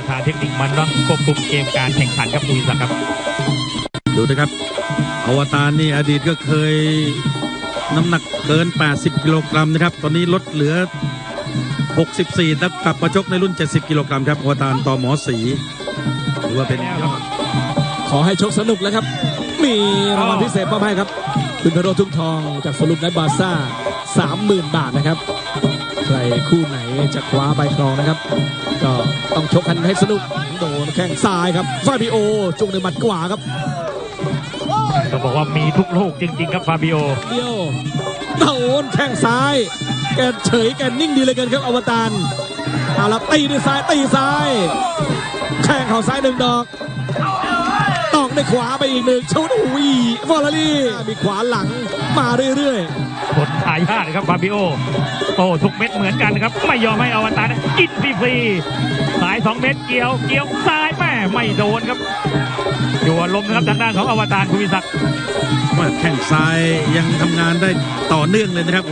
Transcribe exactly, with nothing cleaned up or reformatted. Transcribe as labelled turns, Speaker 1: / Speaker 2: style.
Speaker 1: ประธานเทคนิคมันต้องควบคุมเกมการแข่งขันครับคุณวิศักดิ์ครับ
Speaker 2: ดูนะครับอวตารนี่อดีตก็เคยน้ำหนักเกินแปดสิบกิโลกรัมนะครับตอนนี้ลดเหลือหกสิบสี่แล้วกลับมาชกในรุ่นเจ็ดสิบกิโลกรัมครับอวตารต่อหมอสีหรือว่าเป็น
Speaker 3: ขอให้ชกสนุกแล้วครับมีรางวัลพิเศษมอบให้ครับคุณพโรทุ่งทองจากสรุปไนบาซ่า สามหมื่น บาทนะครับใครคู่ไหนจะคว้าใบครองนะครับก็ต้องชกกันให้สนุกโดนแข้งซ้ายครับฟาบิโอจุกในหมัดขวาครับ
Speaker 1: ต้องบอกว่ามีทุกลูกจริงๆครับฟาบิโอ
Speaker 3: เดียวโดนแข้งซ้ายแกเฉยแกนิ่งดีเลยกันครับอวตารเอาละตีด้วยซ้ายตีซ้ายแข้งเข่าซ้ายหนึ่งดอกตอกด้วยขวาไปอีกหนึ่งชุดอุ้ยฟอร์รี่มีขวาหลังมาเรื่อย
Speaker 1: ๆผลทายาทครับฟาบิโอโอ้ทุกเม็ดเหมือนกันครับไม่ยอมให้อวตารกินฟรีๆสายสองเม็ดเกี่ยวเกี่ยวซ้ายแม่ไม่โดนครับอยู่ลมนะครับทางด้านของอวตารคุณวิศักดิ์
Speaker 2: แข้งซ้ายยังทำงานได้ต่อเนื่องเลยนะครับ